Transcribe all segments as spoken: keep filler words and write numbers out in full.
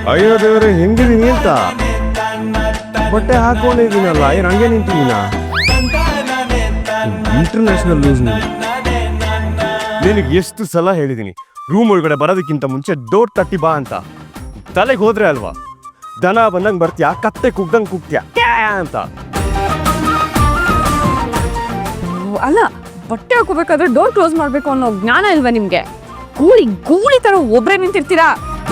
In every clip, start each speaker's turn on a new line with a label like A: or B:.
A: ಅಯ್ಯೋ ದೇವ್ರೆ ಹೆಂಗಿದೀನಿ ಅಂತ ಬಟ್ಟೆ ಹಾಕೊಂಡಿದ್ದೀನಲ್ಲ ಏನು ಹಂಗೆ ನಿಂತಿದ್ದೀನ ಇಂಟರ್ನ್ಯಾಷನಲ್ ನ್ಯೂಸ್ ನಿನಗೆ ಎಷ್ಟು ಸಲ ಹೇಳಿದ್ದೀನಿ ರೂಮ್ ಒಳಗಡೆ ಬರೋದಕ್ಕಿಂತ ಮುಂಚೆ ಡೋರ್ ತಟ್ಟಿ ಬಾ ಅಂತ ತಲೆಗೆ ಹೋದ್ರೆ ಅಲ್ವಾ ದನ ಬಂದಂಗೆ ಬರ್ತೀಯಾ ಕತ್ತೆ ಕುಗ್ದಂಗೆ ಕುಗ್ತೀಯಾ ಅಂತ
B: ಅಲ್ಲ ಬಟ್ಟೆ ಹಾಕೋಬೇಕಾದ್ರೆ ಡೋರ್ ಕ್ಲೋಸ್ ಮಾಡ್ಬೇಕು ಅನ್ನೋ ಜ್ಞಾನ ಇಲ್ವಾ ನಿಮ್ಗೆ ಗೂಳಿ ಗೂಳಿ ತರ ಒಬ್ರೇ ನಿಂತಿರ್ತೀರಾ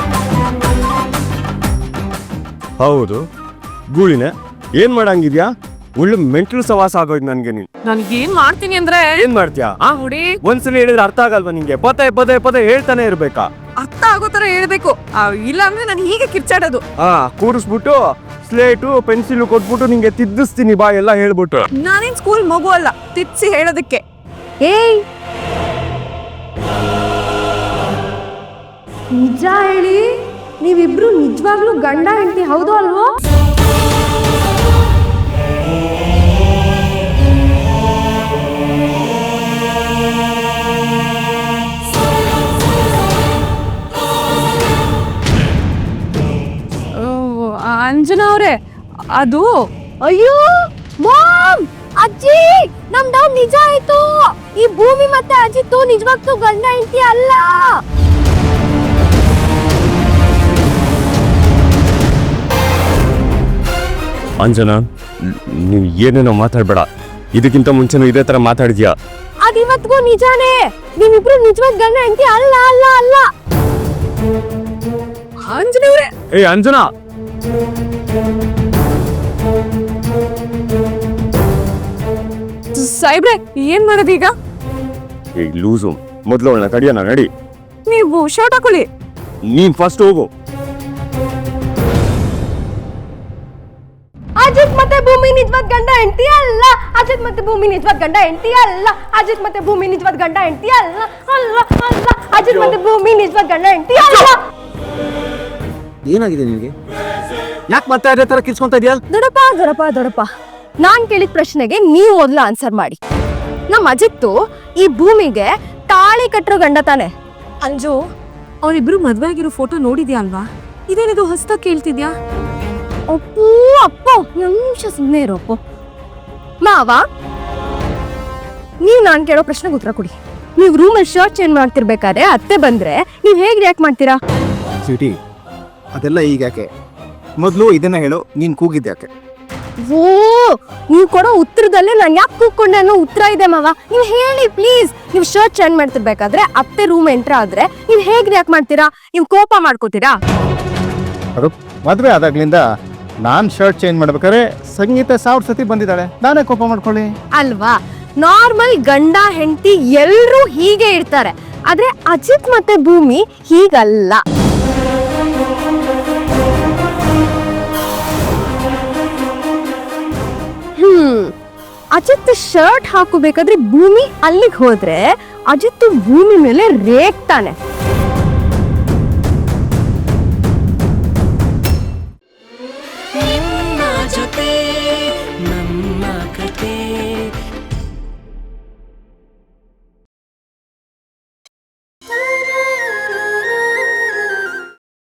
A: ಹೌದು ಗೂಳಿನೇ ಏನ್ ಮಾಡಂಗಿದ್ಯಾ ಒಳ್ಳೆ ಮೆಂಟಲ್ ಸವಾಸ ಆಗೋಯ್ತು ನನ್ಗೆ ನೀನ್
B: ನನ್ಗೆ ಏನ್ ಮಾಡ್ತೀನಿ ಅಂದ್ರೆ
A: ಏನ್ ಮಾಡ್ತೀಯಾ
B: ಆ ಹುಡಿ
A: ಒಂದ್ಸಲ ಹೇಳಿದ್ರೆ ಅರ್ಥ ಆಗಲ್ವಾ ನಿಂಗೆ ಪದೇ ಪದೇ ಪದೇ ಹೇಳ್ತಾನೆ ಇರ್ಬೇಕಾ
B: ಅರ್ಥ ಆಗೋ ತರ ಹೇಳ್ಬೇಕು ಇಲ್ಲ ಅಂದ್ರೆ ನಾನು ಹೀಗೆ ಕಿರ್ಚಾಡೋದು
A: ಹಾ ಕೂರಿಸ್ಬಿಟ್ಟು ಸ್ಲೇಟು ಪೆನ್ಸಿಲ್ ಕೊಟ್ಬಿಟ್ಟು ನಿಂಗೆ ತಿದ್ದಿಸ್ತೀನಿ ಬಾ ಎಲ್ಲ ಹೇಳ್ಬಿಟ್ಟು
B: ನಾನೇನ್ ಸ್ಕೂಲ್ ಮಗು ಅಲ್ಲ ತಿರ್ಸಿ ಹೇಳೋದಕ್ಕೆ ಏಯ್
C: ನಿಜ ಹೇಳಿ ನೀವಿಬ್ರು ನಿಜವಾಗ್ಲೂ ಗಂಡ ಹೆಂಡತಿ ಹೌದು ಅಲ್ವೋ
B: ಅಂಜನಾ ಅವ್ರೆ ಅದು
C: ಅಯ್ಯೋ ಮಾಮ್ ಅಜ್ಜಿ ನಮ್ ಡೌಟ್ ನಿಜ ಆಯ್ತು ಈ ಭೂಮಿ ಮತ್ತೆ ಅಜಿತ್ತು ನಿಜವಾಗ್ಲೂ ಗಂಡ ಹೆಂಡತಿ ಅಲ್ಲ
A: ಅಂಜನಾ ನೀವ್ ಏನೇನೋ ಮಾತಾಡ್ಬೇಡ ಇದಕ್ಕಿಂತ ಮುಂಚೆನೂ ಇದೇ ತರ ಮಾತಾಡಿದ್ಯಾ
C: ಅದಿವತ್ಗೂ ನಿಜಾನೇ ನೀವಿಬ್ರು ನಿಜವಾಗ್ ಗಂಡ ಹೆಂಡತಿ ಅಲ್ಲ ಅಲ್ಲ ಅಲ್ಲ
B: ಅಂಜನಾ ಅವ್ರೆ
A: ಏ ಅಂಜನಾ
B: ಸಾಯ್ಬ್ರೆ ಏನ್ ಮಾಡೋದೀಗ
A: ಏ ಲೂಸು ಮೊದ್ಲು ಅವಳನ್ನ ತಡಿಯೋಣ ನಡಿ
B: ನೀವು ಶರ್ಟ್ ಹಾಕೊಳ್ಳಿ
A: ನೀನ್ ಫಸ್ಟ್ ಹೋಗು
C: ಅಜಿತ್ ಮತ್ತೆ ಭೂಮಿ ನಿಜವಾದ ಗಂಡ ಹೆಂಡತಿ ಅಲ್ಲ ಅಜಿತ್ ಮತ್ತೆ ಭೂಮಿ ನಿಜವಾದ ಗಂಡ ಹೆಂಡತಿ ಅಲ್ಲ ಅಜಿತ್ ಮತ್ತೆ ಭೂಮಿ ನಿಜವಾದ ಗಂಡ ಹೆಂಡತಿ ಅಲ್ಲ ಅಲ್ಲ ಅಲ್ಲ ಅಜಿತ್ ಮತ್ತೆ ಭೂಮಿ ನಿಜವಾದ ಗಂಡ ಹೆಂಡತಿ ಅಲ್ಲ
D: ಏನಾಗಿದೆ ನಿನಗೆ ಯಾಕೆ ಮತ್ತೆ ಅದೇ ತರ ಕಿರ್ಚ್ಕೊಂತ ಇದೆಯಾ
C: ದೊಡಪ್ಪ ದೊಡಪ್ಪ ದೊಡಪ್ಪ ನಾನ್ ಕೇಳಿದ ಪ್ರಶ್ನೆಗೆ ನೀವು ಮೊದಲು ಆನ್ಸರ್ ಮಾಡಿ ನಮ್ಮ ಅಜಿತ್ತು ಈ ಭೂಮಿಗೆ ತಾಳಿ ಕಟ್ಟರೋ ಗಂಡ ತಾನೆ
B: ಅಂಜು ಅವರಿಬ್ರು ಮದ್ವೆ ಆಗಿರೋ ಫೋಟೋ ನೋಡಿದ್ಯಾ ಅಲ್ವಾ ಇದೇನಿದು ಹೊಸದಾಗಿ ಕೇಳ್ತಿದ್ಯಾ
C: ಅಪ್ಪು ಅಪ್ಪ ಒಂದ್ ನಿಮಿಷ ಸುಮ್ಮನೆ ಇರೋ ಅಪ್ಪು ಮಾವ ನೀವು ನಾನು ಕೇಳೋ ಪ್ರಶ್ನೆಗೆ ಉತ್ತರ ಕೊಡಿ ನೀವು ರೂಮಲ್ಲಿ ಶರ್ಟ್ ಚೇಂಜ್ ಮಾಡ್ತಿರ್ಬೇಕಾದ್ರೆ ಅತ್ತೆ ಬಂದ್ರೆ ನೀವು ಹೇಗೆ ರಿಯಾಕ್ಟ್ ಮಾಡ್ತೀರಾ
D: ಸ್ವೀಟಿ ಅದೆಲ್ಲ ಈಗ ಯಾಕೆ ಮೊದಲು ಇದನ್ನ ಹೇಳು ನೀನ್ ಕೂಗಿದ್ದೆ ಯಾಕೆ
C: ಓ ನೀವು ಕೊಡೋ ಉತ್ತರದಲ್ಲೇ ನಾನು ಯಾಕೆ ಕೂತ್ಕೊಂಡೆ ಅನ್ನೋ ಉತ್ತರ ಇದೆ ಮಾವ ನೀವು ಹೇಳಿ ಪ್ಲೀಸ್ ನೀವು ಶರ್ಟ್ ಚೇಂಜ್ ಮಾಡ್ತಿರ್ಬೇಕಾದ್ರೆ ಅತ್ತೆ ರೂಮ್ ಎಂಟ್ರ್ ಆದ್ರೆ ನೀವು ಹೇಗೆ ರಿಯಾಕ್ಟ್ ಮಾಡ್ತೀರಾ ನೀವು ಕೋಪ ಮಾಡ್ಕೋತೀರಾ
D: ಅದು ಮದುವೆ ಆದಾಗ್ಲಿಂದ ನಾನ್ ಶರ್ಟ್ ಚೇಂಜ್ ಮಾಡ್ಬೇಕಾದ್ರೆ ಸಂಗೀತ ಸಾವಿರ ಸತಿ ಬಂದಿದ್ದಾಳೆ ನಾನೇ ಕೋಪ ಮಾಡ್ಕೊಳ್ಳಿ
C: ಅಲ್ವಾ ನಾರ್ಮಲ್ ಗಂಡ ಹೆಂಡತಿ ಎಲ್ರೂ ಹೀಗೆ ಇರ್ತಾರೆ ಆದ್ರೆ ಅಜಿತ್ ಮತ್ತೆ ಭೂಮಿ ಹೀಗಲ್ಲ ಹ್ಮ್ ಅಜಿತ್ ಶರ್ಟ್ ಹಾಕೋಬೇಕಾದ್ರೆ ಭೂಮಿ ಅಲ್ಲಿಗೆ ಹೋದ್ರೆ ಅಜಿತ್ ಭೂಮಿ ಮೇಲೆ ರೇಗ್ತಾನೆ